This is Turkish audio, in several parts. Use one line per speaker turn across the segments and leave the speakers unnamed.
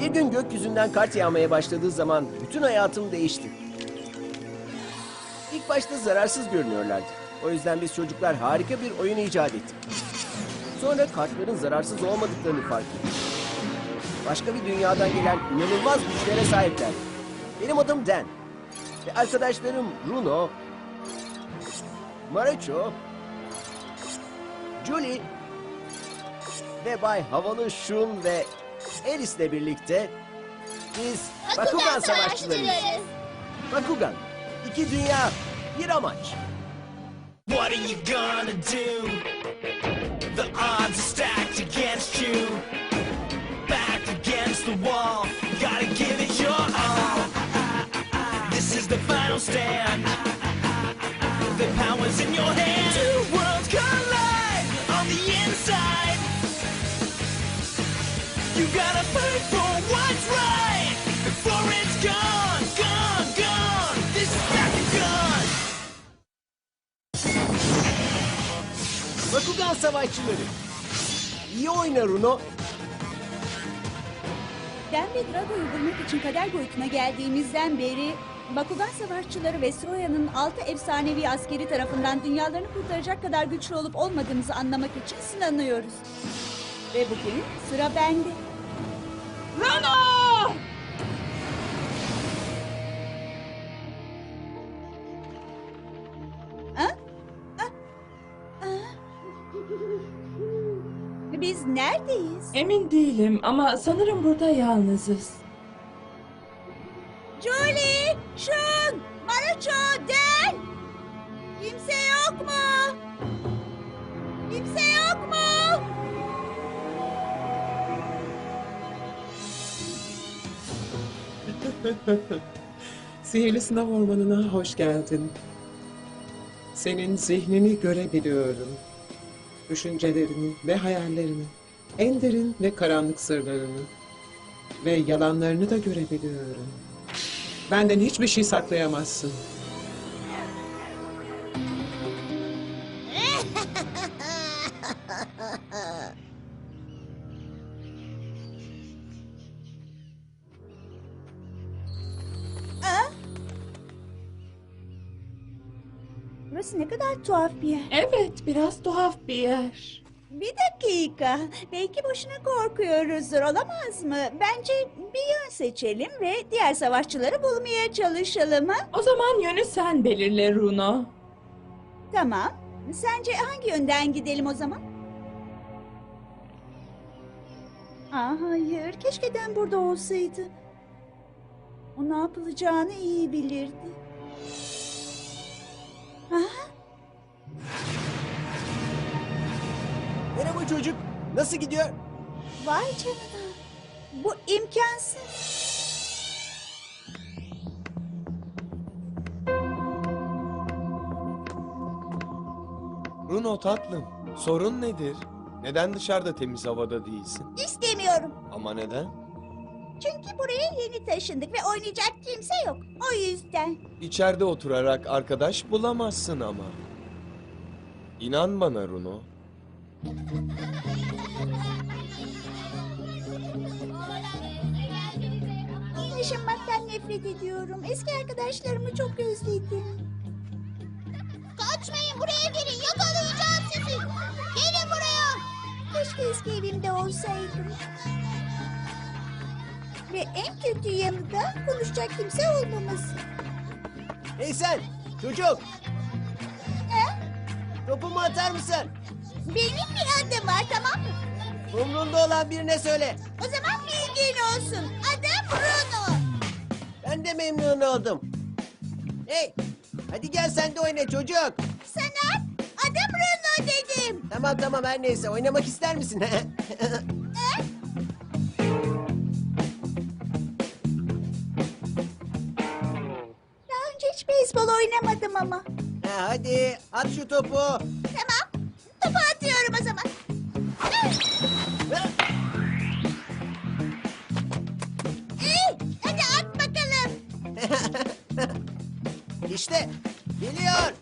Bir gün gökyüzünden kart yağmaya başladığı zaman bütün hayatım değişti. İlk başta zararsız görünüyorlardı. O yüzden biz çocuklar harika bir oyun icat ettik. Sonra kartların zararsız olmadıklarını fark ettik. Başka bir dünyadan gelen inanılmaz güçlere sahipler. Benim adım Dan. Ve arkadaşlarım Bruno, Marucho, Julie ve Bay Havalı Şun ve Alice'le birlikte biz Bakugan Savaşçılarıyız. Bakugan, iki dünya, bir amaç.
What are you gonna do? The odds are stacked against you. Back against the wall, gotta give it your all. This is the final stand. The power's in your hand. Two worlds collide on the inside. You gotta fight for what's right before it's gone, gone, gone. This is Bakugan.
Bakugan Savaşçıları. İyi oyna Runo.
Dan ve Drago'yu bulmak için kader boyutuna geldiğimizden beri Bakugan Savaşçıları ve Stroya'nın 6 efsanevi askeri tarafından dünyalarını kurtaracak kadar güçlü olup olmadığımızı anlamak için sınanıyoruz. Ve bugün sıra bende. Rano! Ha? Biz neredeyiz?
Emin değilim ama sanırım burada yalnızız.
Julie, Shun, Marucho, Dan! Kimse yok mu? Kimse yok mu?
Sihirli sınav ormanına hoş geldin. Senin zihnini görebiliyorum. Düşüncelerini ve hayallerini, en derin ve karanlık sırlarını ve yalanlarını da görebiliyorum. Benden hiçbir şey saklayamazsın.
Burası ne kadar tuhaf bir yer.
Evet, biraz tuhaf bir yer.
Bir dakika. Belki boşuna korkuyoruzdur, olamaz mı? Bence bir yön seçelim ve diğer savaşçıları bulmaya çalışalım, ha?
O zaman yönü sen belirle Runo.
Tamam. Sence hangi yönden gidelim o zaman? Hayır. Keşke Dan burada olsaydı. O ne yapılacağını iyi bilirdi.
Merhaba çocuk. Nasıl gidiyor?
Vay canına. Bu imkansız.
Bruno tatlım, sorun nedir? Neden dışarıda temiz havada değilsin?
İstemiyorum.
Ama neden?
Çünkü buraya yeni taşındık ve oynayacak kimse yok. O yüzden.
İçeride oturarak arkadaş bulamazsın ama. İnan bana Bruno.
Yaşamaktan nefret ediyorum. Eski arkadaşlarımı çok özledim. Kaçmayın, buraya gelin. Yakalayacağım sizi. Gelin buraya. Keşke eski evimde olsaydım. Ve en kötü yanı da konuşacak kimse olmaması.
Hey sen çocuk.
He?
Topumu atar mısın?
Benim bir adım var, tamam mı?
Umrunda olan birine söyle.
O zaman bilgin olsun. Adım Bruno.
Ben de memnun oldum. Hey, hadi gel sen de oyna çocuk.
Sana adım Bruno dedim.
Tamam tamam her neyse oynamak ister misin?
Daha önce hiç beyzbol oynamadım ama.
Hadi at şu topu.
Tamam. Topu atıyorum o zaman. Hadi at bakalım.
İşte geliyor.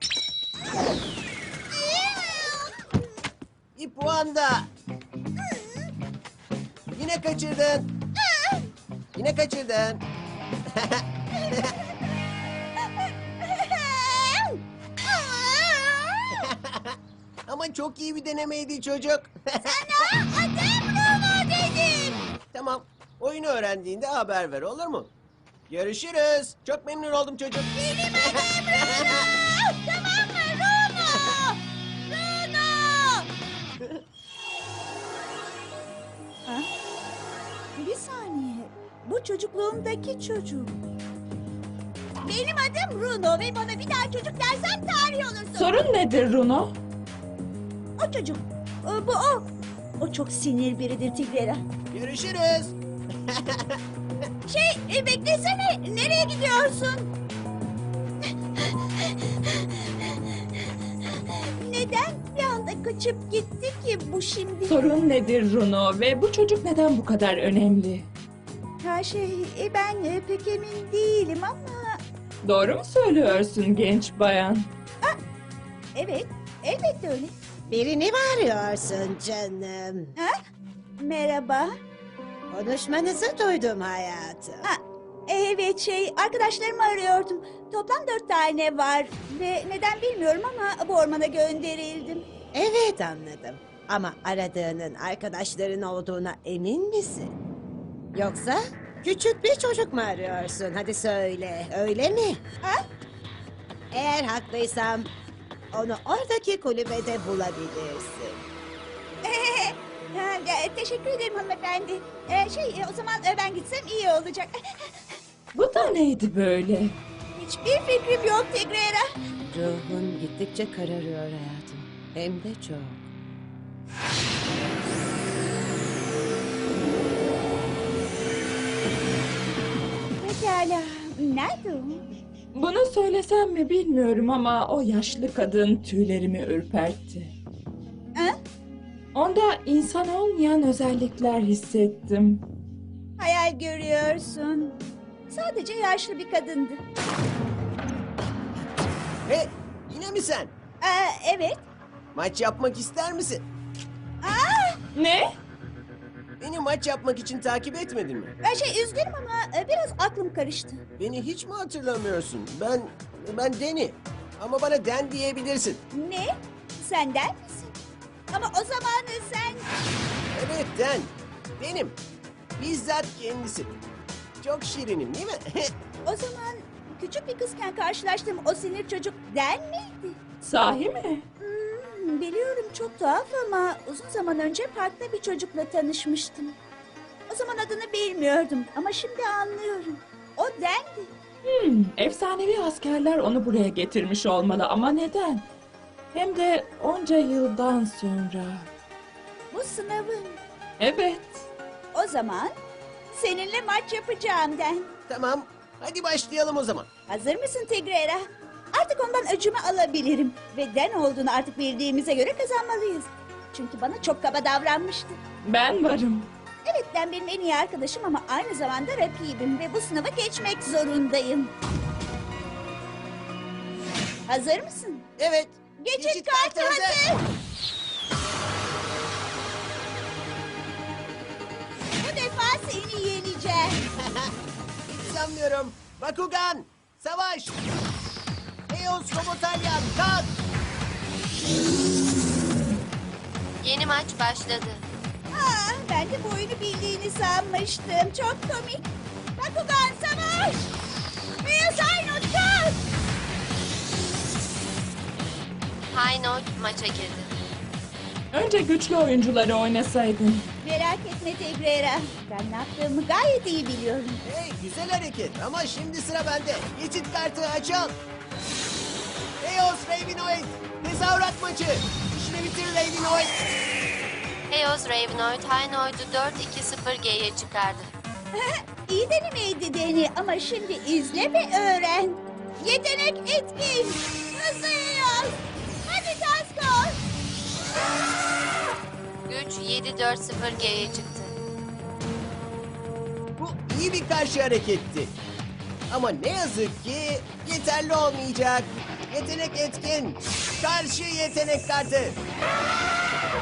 Bir puan da. Yine kaçırdın. Yine kaçırdın. Ama çok iyi bir denemeydi çocuk.
Sana adım Bruno dedim.
Tamam. Oyunu öğrendiğinde haber ver, olur mu? Görüşürüz. Çok memnun oldum çocuk.
Benim adım Bruno. Tamam mı Bruno? Bruno. Ha? Bir saniye. Bu çocukluğumdaki çocuk. Benim adım Bruno ve bana bir daha çocuk dersen tarih olursun.
Sorun nedir Runo?
O çocuk. Bu o. O çok sinir biridir Tigrera.
Görüşürüz.
Beklesene. Nereye gidiyorsun? Neden bir anda kaçıp gitti ki bu şimdi?
Sorun nedir Runo ve bu çocuk neden bu kadar önemli?
Ha ben pek emin değilim ama...
Doğru mu söylüyorsun genç bayan?
Evet, elbette öyle.
Birini mi arıyorsun canım?
Ha? Merhaba.
Konuşmanızı duydum hayatım.
Ha, evet arkadaşlarımı arıyordum. Toplam 4 tane var ve neden bilmiyorum ama bu ormana gönderildim.
Evet anladım. Ama aradığının arkadaşların olduğuna emin misin? Yoksa küçük bir çocuk mu arıyorsun? Hadi söyle, öyle mi?
Ha?
Eğer haklıysam onu oradaki kulübede bulabilirsin.
Teşekkür ederim hanımefendi. O zaman ben gitsem iyi olacak.
Bu da neydi böyle?
Hiçbir fikrim yok Tigrera.
Ruhun gittikçe kararıyor hayatım. Hem de çok.
Pekala. Nerede o?
Bunu söylesem mi bilmiyorum ama o yaşlı kadın tüylerimi ürpertti.
Ha?
Onda insan olmayan özellikler hissettim.
Hayal görüyorsun. Sadece yaşlı bir kadındı.
Hey, yine mi sen?
Evet.
Maç yapmak ister misin?
Ne?
Beni maç yapmak için takip etmedin mi?
Üzgünüm ama biraz aklım karıştı.
Beni hiç mi hatırlamıyorsun? Ben Danny. Ama bana Dan diyebilirsin.
Ne? Senden misin? Ama o zaman sen...
Evet Dan. Benim. Bizzat kendisi. Çok şirinim değil mi?
O zaman küçük bir kızken karşılaştığım o sinir çocuk Den miydi?
Sahi mi?
Biliyorum çok tuhaf ama uzun zaman önce parkta bir çocukla tanışmıştım. O zaman adını bilmiyordum ama şimdi anlıyorum. O Den'di.
Efsanevi askerler onu buraya getirmiş olmalı ama neden? Hem de onca yıldan sonra.
Bu sınavın.
Evet.
O zaman seninle maç yapacağım Den.
Tamam. Hadi başlayalım o zaman.
Hazır mısın Tigrera? Artık ondan öcümü alabilirim. Ve Den olduğunu artık bildiğimize göre kazanmalıyız. Çünkü bana çok kaba davranmıştı.
Ben varım.
Evet Den benim en iyi arkadaşım ama aynı zamanda rakibim. Ve bu sınava geçmek zorundayım. Hazır mısın?
Evet.
Geçit kartı hazır. Bu defa seni yeneceğim.
Hiç sanmıyorum. Bakugan. Savaş. Eos Robotalyan. Kalk.
Yeni maç başladı.
Ben de bu oyunu bildiğini sanmıştım. Çok komik. Bakugan savaş. Beyaz Aynut kalk.
High Note maça girdi.
Önce güçlü oyuncuları oynasaydın.
Merak etme Tigrera. Ben ne yaptığımı gayet iyi biliyorum.
Hey, güzel hareket ama şimdi sıra bende. Geçit kartı açıl. Eos Ravenoid. Tezahürat maçı. İşini bitir Ravenoid.
Eos Ravenoid High Note'u 4-2-0G'ye çıkardı.
İyi denemeydi Deni ama şimdi izle ve öğren. Yetenek etkin. Hızlıyız. Hadi Taskor.
Güç 7-4-0G'ye çıktı.
Bu iyi bir karşı hareketti. Ama ne yazık ki yeterli olmayacak. Yetenek etkin. Karşı yetenek kartı.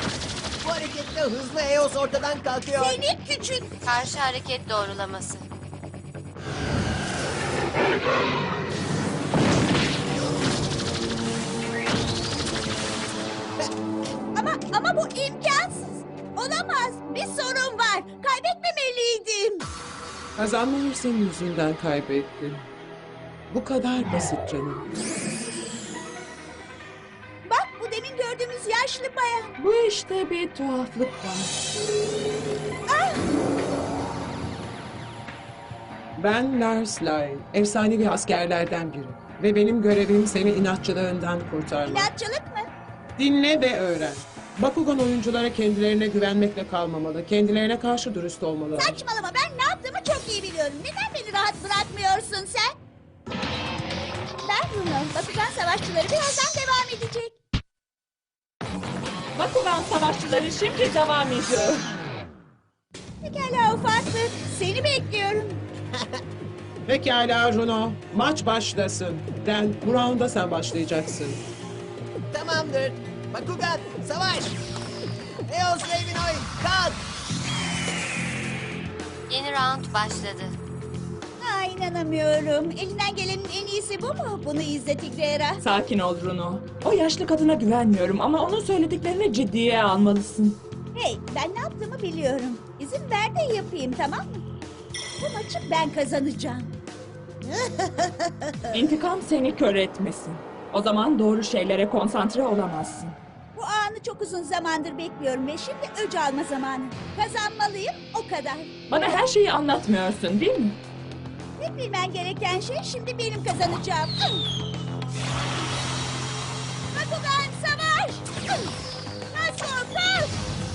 Bu hareketle hızlı Eos ortadan kalkıyor.
Seni küçük.
Karşı hareket doğrulaması.
Ama bu imkansız. Olamaz. Bir sorun var. Kaybetmemeliydim.
Kazanmayı senin yüzünden kaybettim. Bu kadar basit canım.
Bak bu demin gördüğümüz yaşlı bayan.
Bu işte bir tuhaflık var.
Ben Lars Lyle, efsanevi askerlerden biri. Ve benim görevim seni inatçılığından kurtarmak.
İnatçılık mı?
Dinle ve öğren. Bakugan oyunculara kendilerine güvenmekle kalmamalı. Kendilerine karşı dürüst olmalı.
Saçmalama, ben ne yaptığımı çok iyi biliyorum. Neden beni rahat bırakmıyorsun sen? Ben Bruno. Bakugan savaşçıları birazdan devam edecek.
Bakugan savaşçıları şimdi devam ediyor.
Pekala ufaklık. Seni bekliyorum.
Pekala Runo, maç başlasın. Dan, bu rounda sen başlayacaksın.
Tamamdır. Bakugan, savaş! Eos Ravenoid, kalk!
Yeni round başladı.
Ha, inanamıyorum. Elinden gelenin en iyisi bu mu? Bunu izle Tigrera.
Sakin ol Bruno. O yaşlı kadına güvenmiyorum ama onun söylediklerini ciddiye almalısın.
Hey, ben ne yaptığımı biliyorum. İzin ver de yapayım, tamam mı? Bu maçı ben kazanacağım.
İntikam seni kör etmesin. O zaman doğru şeylere konsantre olamazsın.
Bu anı çok uzun zamandır bekliyorum ve şimdi öc alma zamanı. Kazanmalıyım, o kadar.
Bana her şeyi anlatmıyorsun değil mi?
Tek bilmen gereken şey şimdi benim kazanacağım. Bakugan savaş! Nasıl kalk!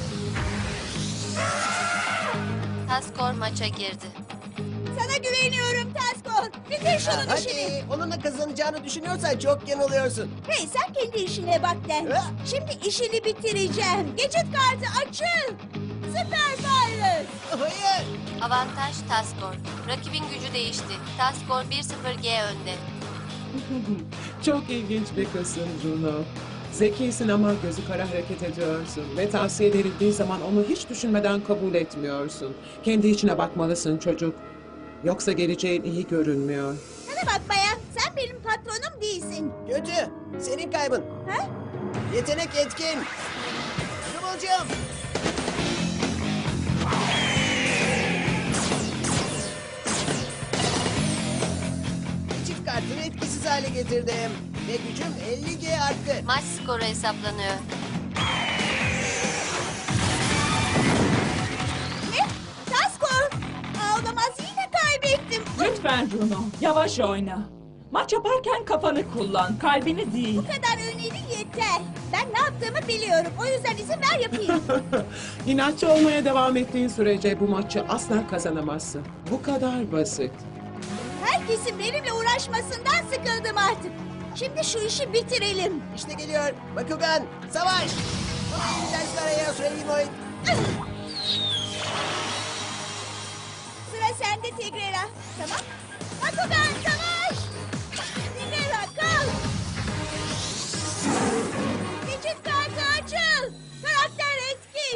Taskor maça girdi.
Sana güveniyorum Taskor. Bitir şunun işini.
Hadi, onunla kazanacağını düşünüyorsan çok yanılıyorsun.
Hey sen kendi işine bak Den.
Ha?
Şimdi işini bitireceğim. Geçit kartı açıl. Süper Virus.
Hayır!
Avantaj Taskor. Rakibin gücü değişti. Taskor 1-0G önde.
Çok ilginç bir kızsın Runo. Zekisin ama gözü kara hareket ediyorsun. Ve tavsiye verildiği zaman onu hiç düşünmeden kabul etmiyorsun. Kendi içine bakmalısın çocuk. Yoksa geleceğin iyi görünmüyor.
Sana bak bayan. Sen benim patronum değilsin.
Kötü, senin kaybın.
Ha?
Yetenek etkin. Kıvılcım. Çift kartını etkisiz hale getirdim. Ve gücüm 50G arttı.
Maç skoru hesaplanıyor.
Ne? Taskor. Olamaz yine kaybettim.
Lütfen Bruno, yavaş oyna. Maç yaparken kafanı kullan, kalbini değil.
Bu kadar öneri yeter. Ben ne yaptığımı biliyorum. O yüzden izin ver yapayım.
İnatçı olmaya devam ettiğin sürece bu maçı asla kazanamazsın. Bu kadar basit.
Herkesin benimle uğraşmasından sıkıldım artık. Şimdi şu işi bitirelim.
İşte geliyor. Bakugan, savaş! Dersler Eos Ravenoid.
Sıra sende Tigrera. Tamam. Bakugan savaş! Tigrera kal! Geçit kartı açıl! Karakter etkin!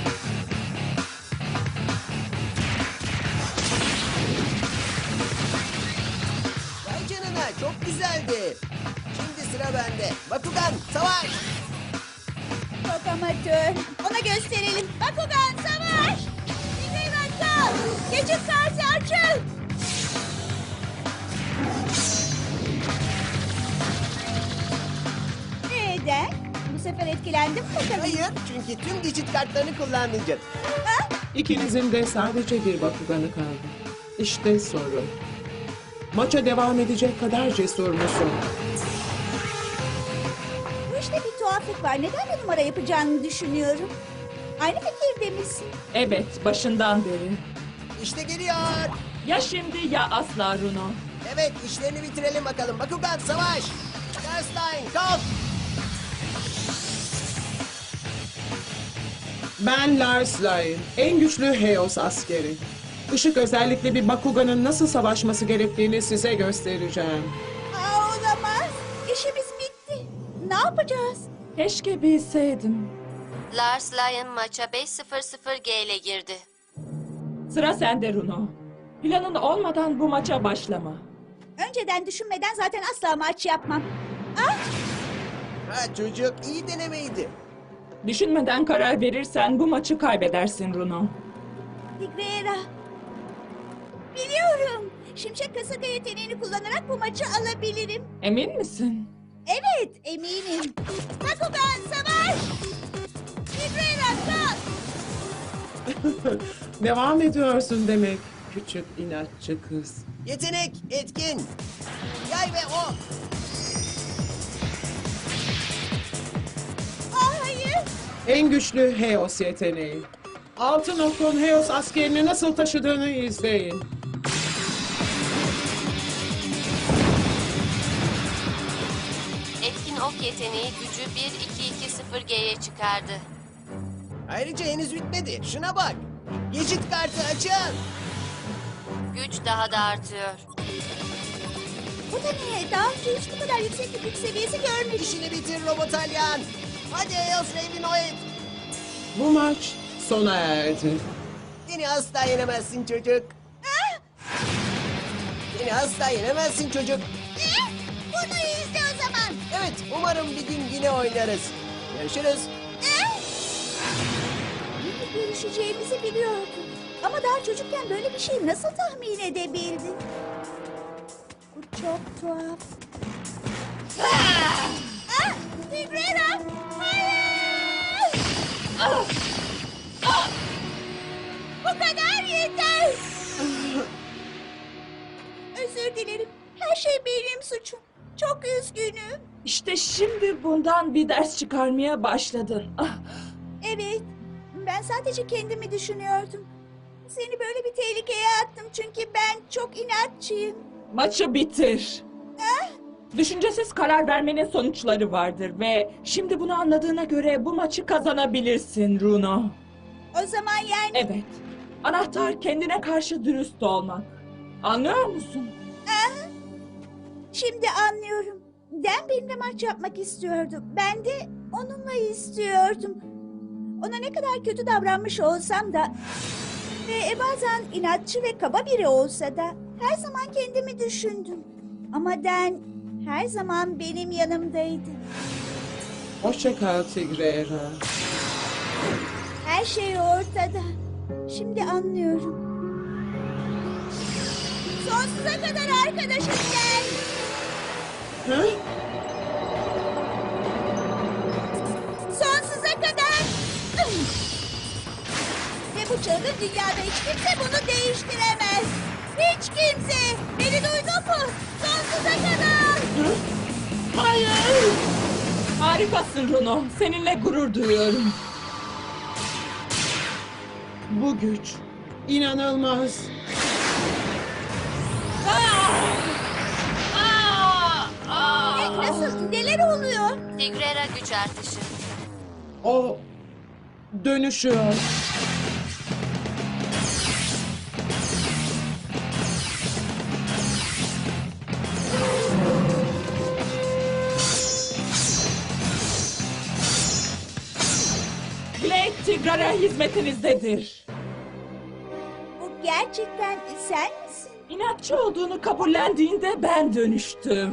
Vay canına, çok güzeldi. Şimdi sıra bende. Bakugan, savaş!
Çok amatör. Ona gösterelim. Bakugan savaş! Tigrera kal! Geçit kartı açıl! Neden? Bu sefer etkilendim mi bakalım?
Hayır, çünkü tüm geçit kartlarını kullanmayacağım.
Ha?
İkinizin de sadece bir Bakuganı kaldı. İşte sorun. Maça devam edecek kadar cesur musun?
Bu işte bir tuhaflık var. Neden bir numara yapacağını düşünüyorum. Aynı fikirde misin?
Evet, başından beri.
İşte geliyor.
Ya şimdi ya asla Bruno.
Evet, işlerini bitirelim bakalım. Bakugan, savaş! Starstein, kalk!
Ben Lars Lyle, en güçlü Heos askeri. Işık özellikle bir Bakugan'ın nasıl savaşması gerektiğini size göstereceğim.
Aa, olamaz. İşimiz bitti. Ne yapacağız?
Keşke bilseydim.
Lars Lyon maça 5-0-0G ile girdi.
Sıra sende Bruno. Planın olmadan bu maça başlama.
Önceden düşünmeden zaten asla maç yapmam. Ah!
Ha çocuk, iyi denemeydi.
Düşünmeden karar verirsen bu maçı kaybedersin Runo.
Tigrera. Biliyorum. Şimşek kasırga yeteneğini kullanarak bu maçı alabilirim.
Emin misin?
Evet, eminim. Bakugan savaş! Tigrera kalk!
Devam ediyorsun demek küçük inatçı kız.
Yetenek, etkin. Yay ve ok.
Hayır.
En güçlü Heos yeteneği. Altın okun Heos askerini nasıl taşıdığını izleyin.
Etkin ok yeteneği gücü 1-2-2-0G'ye çıkardı.
Ayrıca henüz bitmedi. Şuna bak. Geçit kartı açın.
Güç daha da artıyor.
Bu da ne? Daha önce hiç bu kadar yüksek bir güç seviyesi görmedim.
İşini bitir Robotalyan. Hadi Eos Ravenoid.
Bu maç sona erdi.
Beni asla yenemezsin çocuk. Beni asla yenemezsin çocuk.
Bunu izle o zaman.
Evet, umarım bir gün yine oynarız. Görüşürüz.
Görüşeceğimizi biliyordum. Ama daha çocukken böyle bir şey nasıl tahmin edebildin? Bu çok tuhaf. Tigrera! Hayır! Bu kadar yeter! Özür dilerim. Her şey benim suçum. Çok üzgünüm.
İşte şimdi bundan bir ders çıkarmaya başladın. Ah,
Evet. Ben sadece kendimi düşünüyordum. Seni böyle bir tehlikeye attım çünkü ben çok inatçıyım.
maçı bitir. Düşüncesiz karar vermenin sonuçları vardır ve şimdi bunu anladığına göre bu maçı kazanabilirsin Runo.
O zaman yani...
Evet. Anahtar kendine karşı dürüst olmak. Anlıyor musun?
Şimdi anlıyorum. Dan benimle maç yapmak istiyordu. Ben de onunla istiyordum. Ona ne kadar kötü davranmış olsam da... Ve bazen inatçı ve kaba biri olsa da... Her zaman kendimi düşündüm. Ama Dan her zaman benim yanımdaydı.
Hoşça kal Tigrera.
Her şey ortada. Şimdi anlıyorum. Sonsuza kadar arkadaşız Dan.
Hı?
Sonsuza kadar. Ve bu çılgın dünyada hiç kimse bunu değiştiremez. Hiç kimse. Beni duydun mu? Sonsuza kadar.
Hayır!
Harikasın Runo. Seninle gurur duyuyorum.
Bu güç inanılmaz.
Nasıl? Neler oluyor?
Tigrera güç artışı.
O dönüşüyor.
Blade Tigrera hizmetinizdedir.
Bu gerçekten sen misin?
İnatçı olduğunu kabullendiğinde ben dönüştüm.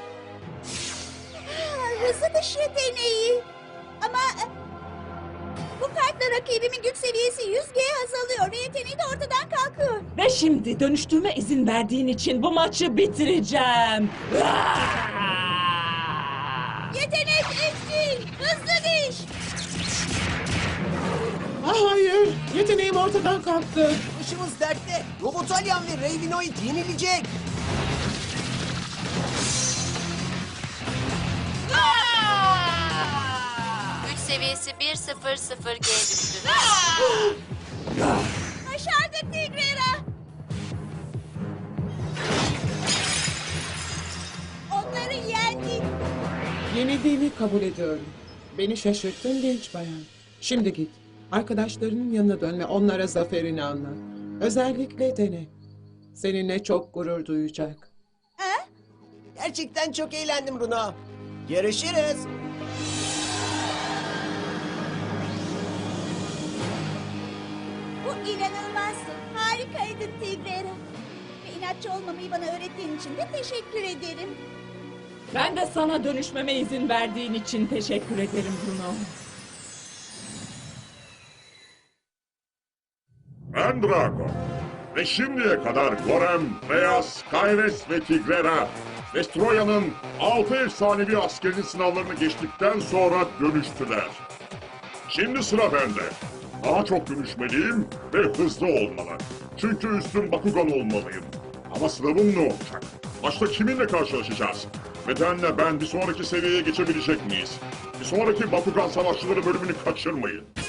Hızlı dış yeteneği. Ama bu kartla rakibimin güç seviyesi 100G azalıyor ve yeteneği de ortadan kalkıyor.
Ve şimdi dönüştüğüme izin verdiğin için bu maçı bitireceğim.
Yetenek etkin, hızlı diş.
Hayır! Yeteneğim ortadan kalktı.
Başımız dertte. Robotalyan ve Ravenoid yenilecek.
Güç seviyesi 1-0-0G düştü.
Başardık Tigrera. Onları yendik.
Yenildiğimi kabul ediyorum. Beni şaşırttın genç bayan. Şimdi git. Arkadaşlarının yanına dön ve onlara zaferini anlat. Özellikle dene. Seninle çok gurur duyacak.
Ha?
Gerçekten çok eğlendim Runo. Görüşürüz.
Bu inanılmazdı. Harikaydın Tigrera. inatçı olmamayı bana öğrettiğin için de teşekkür ederim.
Ben de sana dönüşmeme izin verdiğin için teşekkür ederim Bruno.
Ben Drago. Ve şimdiye kadar Gorem, Beyaz, Kayres ve Tigrera, Vestroya'nın 6 efsanevi askerinin sınavlarını geçtikten sonra dönüştüler. Şimdi sıra bende. Daha çok dönüşmeliyim ve hızlı olmalı. Çünkü üstün Bakugan olmalıyım. Ama sınavım ne olacak? Başta kiminle karşılaşacağız? Bedenle ben bir sonraki seviyeye geçebilecek miyiz? Bir sonraki Bakugan Savaşçıları bölümünü kaçırmayın.